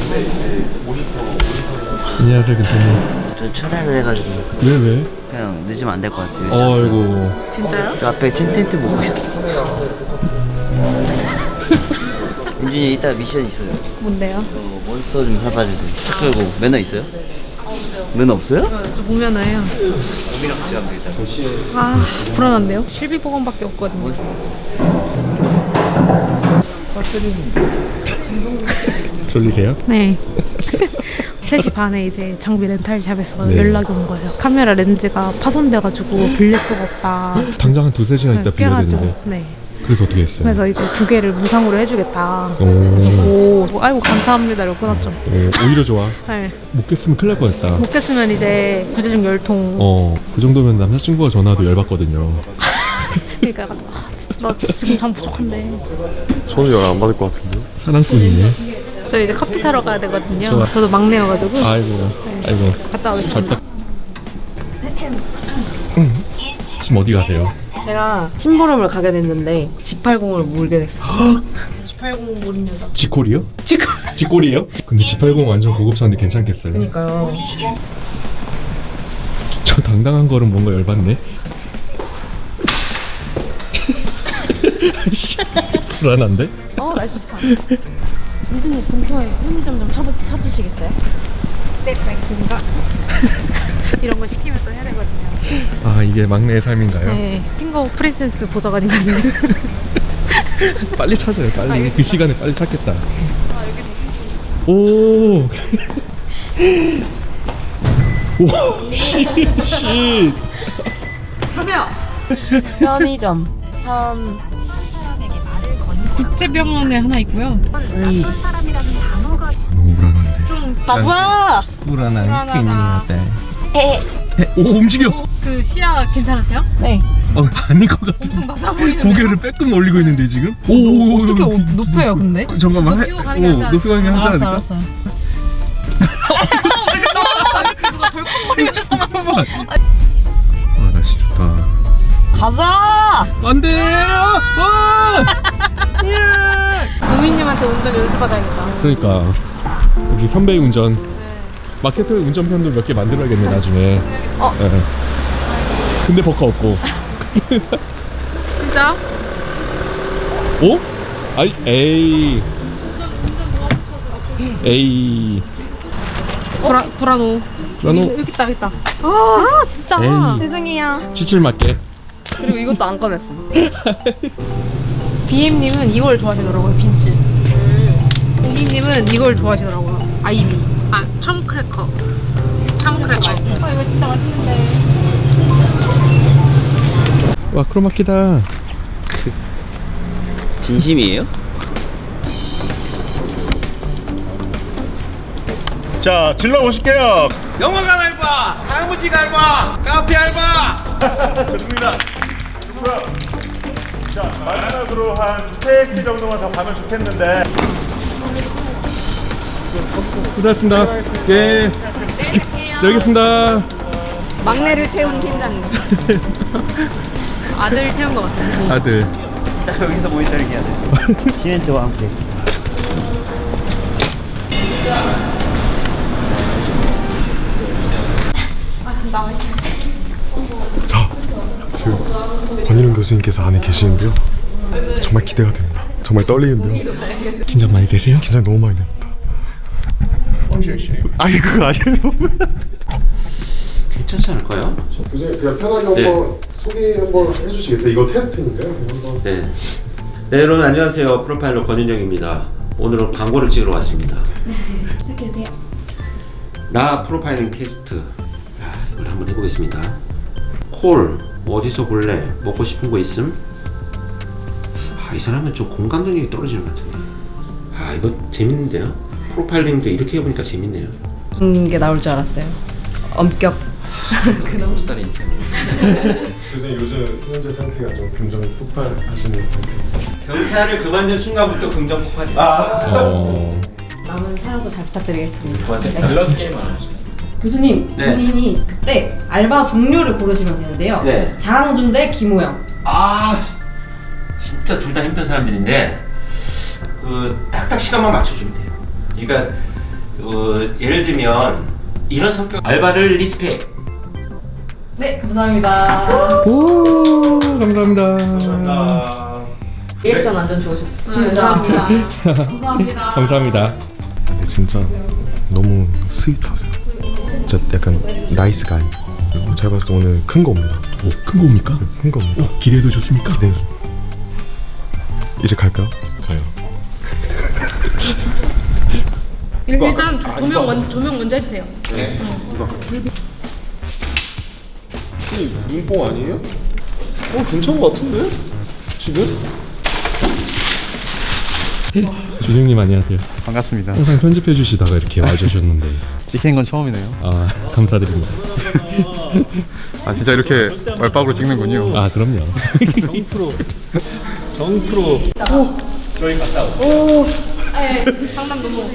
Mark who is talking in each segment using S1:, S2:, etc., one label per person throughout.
S1: 안녕하세요, 교수님.
S2: 저 철회를 해가지고
S1: 왜?
S2: 그냥 늦으면 안 될 것 같아요. 잤어요.
S1: 아이고.
S3: 진짜요?
S2: 저 앞에 텐트 보고 있었어. 윤준이 이따 미션 있어요.
S3: 뭔데요?
S2: 저 몬스터 좀 사다 주세요. 차 끌고 매너 있어요?
S3: 없어요.
S2: 매너 없어요?
S3: 저 무면허예요.
S2: 우리랑 같이 가면 되겠다.
S3: 아 불안한데요? 실비보건밖에 없거든요.
S1: 졸리세요?
S3: 네. 3시 반에 이제 장비 렌탈샵에서
S1: 네.
S3: 연락이 온 거예요. 카메라 렌즈가 파손돼가지고 빌릴 수가 없다.
S1: 당장 한 두세 시간 있다 빌려야 되는데.
S3: 네.
S1: 그래서 어떻게 했어요?
S3: 그래서 이제 2개를 무상으로 해주겠다.
S1: 오.
S3: 오, 아이고 감사합니다. 이러고 끊었죠.
S1: 오히려 좋아.
S3: 네.
S1: 못 깼으면 큰일 날 뻔했다.
S3: 못 깼으면 이제 구제중 열통.
S1: 그 정도면 남자친구가 전화도 열받거든요.
S3: 그러니까 약간, 아, 진짜 나 지금 잠 부족한데.
S4: 저는 열 안 받을 것 같은데요?
S1: 사랑꾼이네.
S3: 저 이제 커피 사러 가야 되거든요.
S1: 좋아.
S3: 저도 막내여가지고.
S1: 아이고.
S3: 네.
S1: 아이고.
S3: 갔다 오겠습니다.
S1: 지금 어디 가세요?
S5: 제가 심부름을 가게 됐는데 G80을 몰게 됐어요.
S3: G80 모르는 여자.
S1: 지콜이요? 지콜이요? 근데 G80 완전 고급차인데 괜찮겠어요?
S5: 그러니까요.
S1: 저 당당한 거는 뭔가 열받네. 불안한데?
S3: 날씨 좋다. 선생님 근처에 편의점 좀 찾으시겠어요? 네, 알겠습니다. 이런 거 시키면 또 해야 되거든요.
S1: 아, 이게 막내의 삶인가요?
S3: 네, 핑거 프린세스 보좌관이거든요.
S1: 빨리 찾아요, 빨리.
S3: 알겠습니다.
S1: 그 시간에 빨리 찾겠다.
S3: 아, 여기
S1: 오. 오. 씨.
S3: 하세요.
S5: 편의점.
S3: 국제병원에 하나 있고요.
S1: 너무 불안한데.
S3: 좀
S5: 가자.
S1: 불안한
S3: 불안하다.
S1: 오, 움직여.
S3: 그 시야 괜찮으세요?
S5: 네.
S1: 아닌 것 같아.
S3: 엄청 낮아 보이는데.
S1: 고개를 빼끔 올리고 있는데 지금? 오,
S5: 어떻게 높여요, 근데?
S1: 잠깐만.
S3: 높이고 가는 게 낫지 않을까?
S1: 높이고 가는 게 하지 않을까?
S5: 알았어.
S3: 누가 덜컹거리면서
S1: 잠깐만. 아, 날씨 좋다.
S5: 가자.
S1: 안 돼!
S3: 도민님한테 운전 연습받아야겠다.
S1: 그러니까 여기 현배의 운전 마케터 운전편도 몇 개 만들어야겠네 나중에. 예. 근데 버카 없고.
S3: 진짜?
S1: 오? 아이 에이 에이
S3: 구라노.
S1: 구라노.
S3: 여기 있다. 아 진짜.
S1: 에이.
S5: 죄송해요.
S1: 치칠 맞게.
S5: 그리고 이것도 안 꺼냈어.
S3: BM님은 이걸 좋아하시더라고요, 빈츠. 우기님은 이걸 좋아하시더라고요, 아이비. 참크래커. 이거 진짜 맛있는데.
S1: 와, 크로마키다.
S2: 진심이에요?
S4: 자, 질러 보실게요.
S6: 영화관 알바, 사무직 알바, 카페 알바.
S4: 좋습니다. 좋고요. 자, 마지막으로 한 3개 정도만 더 가면 좋겠는데.
S1: 고생하셨습니다. 예. 여기겠습니다.
S5: 막내를 태운 팀장님.
S3: 아들 태운 것 같아요.
S1: 아들.
S2: 여기서 모니터링 해야 돼. 키넨트와 함께.
S4: 자, 지금 권인웅 교수님께서 안에 계시는데요. 정말 기대가 됩니다. 정말 떨리는데요.
S1: 긴장 많이 되세요?
S4: 긴장 너무 많이 됩니다. 아니, 그거 아니에요.
S6: 괜찮지 않을까요?
S4: 교수님, 그냥 편하게
S6: 네.
S4: 한번 소개 한번 해주시겠어요? 이거 테스트인데요. 한번.
S6: 네. 네, 여러분 안녕하세요. 프로파일러 권윤영입니다. 오늘은 광고를 찍으러 왔습니다.
S3: 시작해주세요.
S6: 나 프로파일링 테스트. 이걸 한번 해보겠습니다. 콜, 어디서 볼래? 먹고 싶은 거 있음? 이 사람은 좀 공감 능력이 떨어지는 것 같은데. 이거 재밌는데요? 프로파일링도 이렇게 해보니까 재밌네요.
S5: 그런 게 나올 줄 알았어요. 엄격.
S6: 그런 스타일이 인생.
S4: 교수님, 요즘 현재 상태가 좀 긍정 폭발하시는 상태.
S6: 경찰을 그만둔 순간부터 긍정 폭발이.
S5: 남은 촬영도 잘 부탁드리겠습니다. 네.
S6: 밸런스 게임을 안 하시네.
S5: 교수님,
S6: 네.
S5: 본인이 그때 알바 동료를 고르시면 되는데요.
S6: 네.
S5: 장항준 대 김호영.
S6: 진짜 둘 다 힘든 사람들인데 그 딱딱 시간만 맞춰주면 돼요. 그러니까 예를 들면 이런 성격 알바를 리스펙.
S3: 네, 감사합니다.
S1: 오, 감사합니다.
S5: 리액션 완전 좋으셨어요.
S3: 진짜. 감사합니다.
S1: 감사합니다.
S4: 근데 진짜 너무 스윗하세요. 진짜 약간 나이스 가이. 제가 봤을 때 오늘 큰 겁니다.
S1: 큰 겁니까?
S4: 큰 겁니다.
S1: 기대도 좋습니까?
S4: 기대. 이제 갈까요?
S1: 가요.
S3: 일단 조명 먼저 해주세요.
S4: 눈뽕 아니에요? 괜찮은 것 같은데? 지금?
S1: 준영님 안녕하세요.
S2: 반갑습니다.
S1: 항상 편집해 주시다가 이렇게 와주셨는데
S2: 찍히는 건 처음이네요.
S1: 아 감사드립니다.
S2: 아 진짜 이렇게 말박으로 찍는군요.
S1: 아 그럼요.
S2: 정프로.
S3: 네, 장난 너무.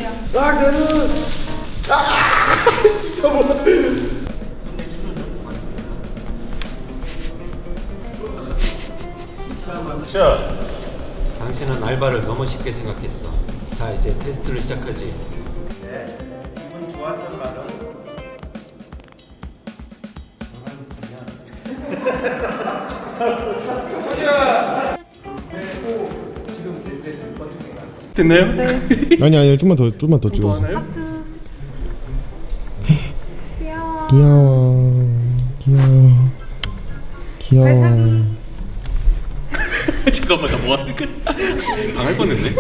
S6: 당신은 알바를 너무 쉽게 생각했어. 자 이제 테스트를 시작하지.
S1: 됐나요?
S4: 아니 좀만 더 찍어.
S1: 하나요?
S4: 귀여워.
S1: 잠깐만 나 뭐 하는 거야? 당할 뻔했네.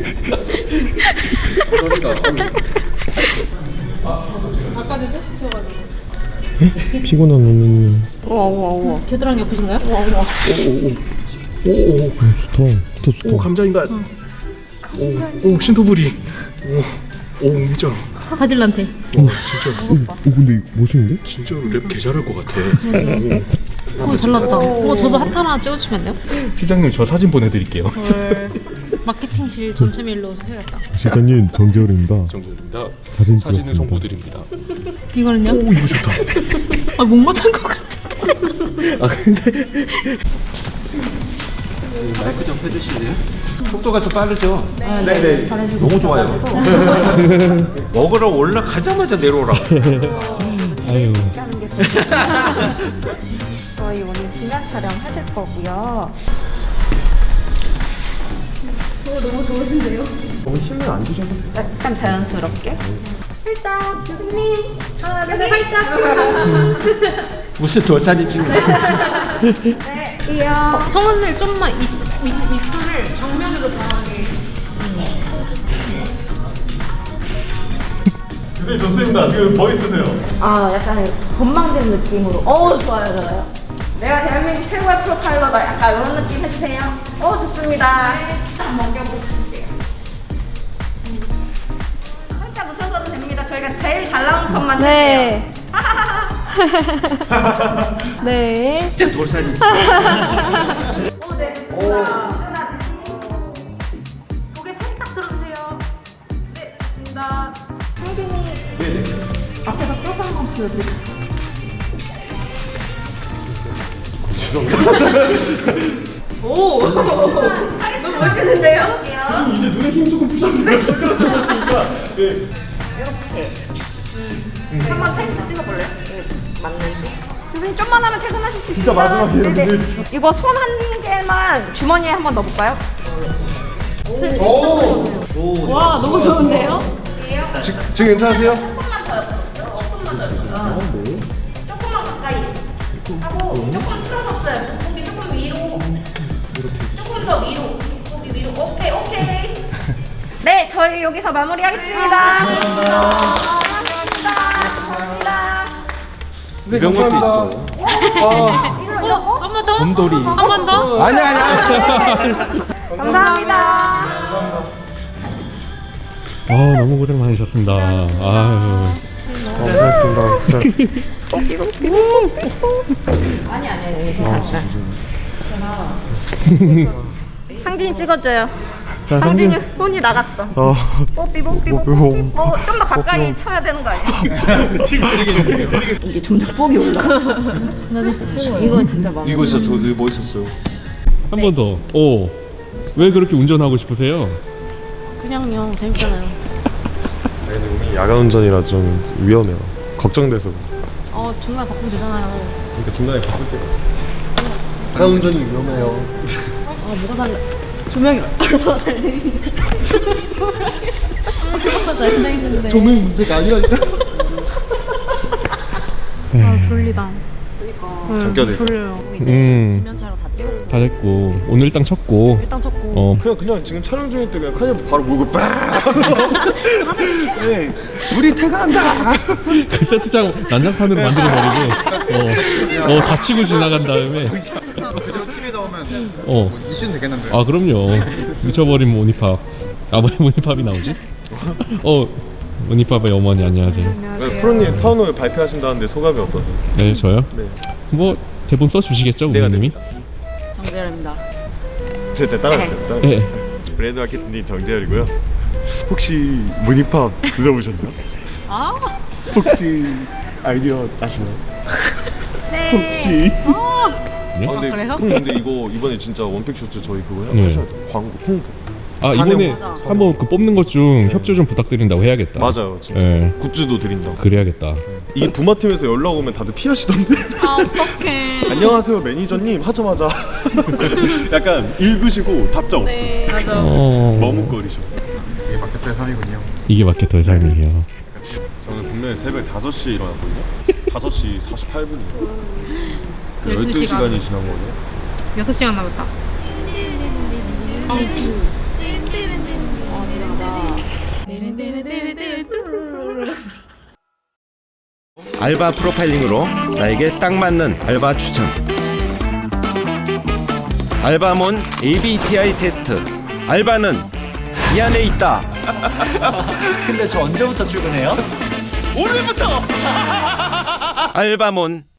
S3: 아까도 했어가지고.
S4: 피곤한 언니님.
S5: 우와.
S3: 겨드랑이 옆이신가요?
S4: 오, 좋다.
S1: 오 감자인간. 오 신토부리. 오 미쳐.
S3: 바질란테.
S1: 진짜.
S4: 근데 멋있는데?
S1: 진짜로 랩 개 잘할 것 같아.
S3: 잘났다. 저도 핫 하나 찍어주시면 안 돼요?
S1: 팀장님 저 사진 보내드릴게요.
S3: 마케팅실 전체 메일로 해야겠다.
S4: 시장님 정재열입니다.
S1: 정도입니다.
S4: 사진
S1: 사진을
S4: 찍었습니다.
S1: 송부드립니다.
S3: 이거는요?
S1: 오 이거 좋다.
S3: 못 맞춘 것 같아.
S1: 아 근데
S6: 마이크 좀 펴주실래요? 속도가 좀 빠르죠?
S1: 네네.
S6: 너무 좋아요. 먹으러 올라가자마자 내려오라.
S1: 아유.
S7: 저희 오늘 기념 촬영 하실 거고요.
S1: 너무 힘을 안 주셔도.
S7: 약간 자연스럽게. 살짝, 교수님. 하나, 둘, 셋, 살짝.
S6: 무슨 돌사진 찍는 거야?
S7: 네, 이요.
S3: 성은을 좀만 믹스를 정면으로 강하게.
S4: 선생님 좋습니다. 지금 뭐 있으세요?
S7: 약간 건망진 느낌으로. 좋아요. 내가 대한민국 최고의 프로파일러다. 약간 이런 느낌 해주세요. 좋습니다. 한번 먹여볼게요. 살짝 웃어줘도 됩니다. 저희가 제일 잘 나온 컷만 주세요. 네.
S6: 진짜 돌사진 찍
S7: 네, 좋습니다. 끈하드시고. 고개 살짝 들어주세요. 네, 좋습니다. 네네. 앞에서 뼈 한번 보여드릴게요. 오! 너무 멋있는데요?
S4: 이제 눈에 힘 조금 푸셨는데.
S7: 한번 테이프 찍어볼래요? 맞는지. 선생님 좀만 하면 퇴근하실 수 있어요.
S4: 진짜 마지막이에요.
S7: 네네. 이거 손 한 개만 주머니에 한번 넣어볼까요?
S3: 와, 너무 좋은데요?
S4: 지금 괜찮으세요?
S7: 조금만 더요. 조금만 가까이 하고 조금 틀어졌어요. 고기 조금 위로. 조금 더 위로. 고기 위로. 오케이. 네, 저희 여기서 마무리하겠습니다. 감사합니다.
S4: 선생님 감사합니다.
S3: 한 번 더?
S6: 곰돌이.
S3: 한 번 더?
S6: 아니야.
S7: 감사합니다.
S1: 아 너무 고생 많으셨습니다. 아유.
S4: 고생했습니다.
S7: 아니. 상진이 찍어줘요.
S1: 자
S7: 상진이
S1: 상진.
S7: 손이 나갔어. 뽀삐.
S4: 뽀삐.
S7: 좀 더 가까이 쳐야 되는 거 아니야? 이게 점점 뻑이 올라. 이거 진짜 많아.
S4: 이거 진짜 되게 멋있었어요.
S1: 한 번 더. 오. 왜 그렇게 운전하고 싶으세요?
S3: 그냥요. 재밌잖아요.
S4: 아니 근데 우리 야간 운전이라 좀 위험해요. 걱정돼서.
S3: 중간에 바꾸면 되잖아요.
S4: 그러니까 중간에 바꿀 때가 없어. 야간 운전이 위험해요.
S3: 뭐가 달라? 조명이 얼마나 잘 되는데. 얼마나 잘 되는데.
S4: 조명 문제가 아니라니까.
S3: 졸리다.
S4: 잠겨야 돼.
S3: 졸려요.
S5: 지면차로 다 찍었고
S1: 다 됐고 오늘 일당 쳤고.
S3: 일단 쳤고.
S4: 그냥 지금 촬영 중일 때 그냥 카니발 바로 몰고 빡. 네, 우리 퇴근한다.
S1: 그 세트장 난장판으로 만들어버리고 다치고 지나간 다음에
S8: 그대로 TV에 나오면 이슈는 되겠는데.
S1: 아 그럼요. 미쳐버린 모니팝. 아버지 모니팝이 나오지? 모니팝의 어머니 안녕하세요.
S4: 프로님 타운홀 발표하신다는데 소감이 어떠세요?
S1: 네 저요?
S4: 네.
S1: 뭐 대본 써주시겠죠
S4: 내가
S1: 우리님이?
S5: 정재열입니다.
S4: 제가 따라갈게요.
S1: 네.
S4: 브랜드 마케팅팀 정재열이고요. 혹시 모니팝 드셔보셨나요? 혹시 아이디어 아시나요?
S7: 네.
S4: 혹시?
S1: 네?
S4: 그래요? 근데 이거 이번에 진짜 원픽 슈트 저희 그거
S1: 네.
S4: 하셔야 돼요. 광고 홍보.
S1: 이번에
S5: 맞아.
S1: 한번 그 뽑는 것 중 협조 좀 부탁드린다고 해야겠다.
S4: 맞아요, 진짜.
S1: 네.
S4: 굿즈도 드린다고.
S1: 그래야겠다.
S4: 이게 부마팀에서 연락 오면 다들 피하시던데.
S3: 어떡해.
S4: 안녕하세요 매니저님 하자마자 약간 읽으시고 답장 없음. 머뭇거리셔.
S8: 이게 마케터의 삶이군요.
S1: 이게 마케터의 삶이에요.
S4: 저는 분명히 새벽 5시에 일어났거든요. 5시 48분이에요.
S3: 12
S4: 12시간이 지난 거예요.
S3: 6시간 남았다.
S5: 집에 가자.
S6: 알바 프로파일링으로 나에게 딱 맞는 알바 추천. 알바몬 ABTI 테스트. 알바는 이 안에 있다.
S2: 근데 저 언제부터 출근해요?
S6: 알바몬